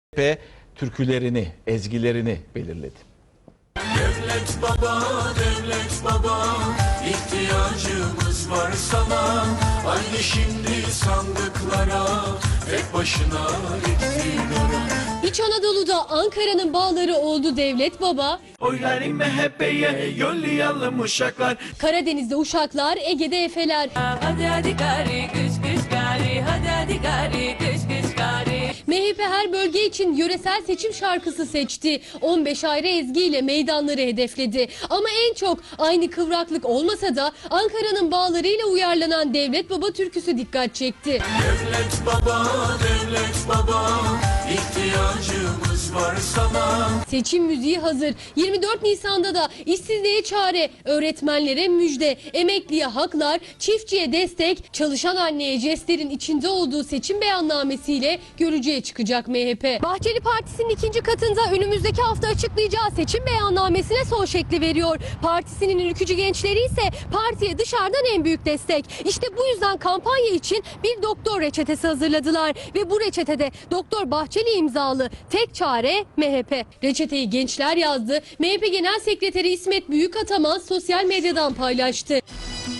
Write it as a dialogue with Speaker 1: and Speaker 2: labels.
Speaker 1: ve türkülerini, ezgilerini belirledi.
Speaker 2: Devlet baba, ihtiyacımız var sana. Haydi şimdi sandıklara, tek başına iktidara.
Speaker 3: İç Anadolu'da Ankara'nın bağları oldu Devlet Baba.
Speaker 2: Oyları MHP'ye yollayalım uşaklar.
Speaker 3: Karadeniz'de Uşaklar, Ege'de Efeler.
Speaker 4: Hadi hadi gari kış kış gari, hadi hadi gari kış kış gari.
Speaker 3: MHP her bölge için yöresel seçim şarkısı seçti. 15 ayrı ezgiyle meydanları hedefledi. Ama en çok aynı kıvraklık olmasa da Ankara'nın bağlarıyla uyarlanan Devlet Baba türküsü dikkat çekti.
Speaker 2: Devlet baba, ihtiyacımız var sana.
Speaker 3: Seçim müziği hazır. 24 Nisan'da da işsizliğe çare, öğretmenlere müjde, emekliye haklar, çiftçiye destek, çalışan anneye jestlerin içinde olduğu seçim beyannamesiyle görücüye çıkacak MHP. Bahçeli Partisi'nin ikinci katında önümüzdeki hafta açıklayacağı seçim beyannamesine son şekli veriyor. Partisinin ülkücü gençleri ise partiye dışarıdan en büyük destek. İşte bu yüzden kampanya için bir doktor reçetesi hazırladılar ve bu reçetede Doktor Bahçeli imzalı tek çare MHP. Reçeteyi gençler yazdı. MHP Genel Sekreteri İsmet Büyükataman sosyal medyadan paylaştı.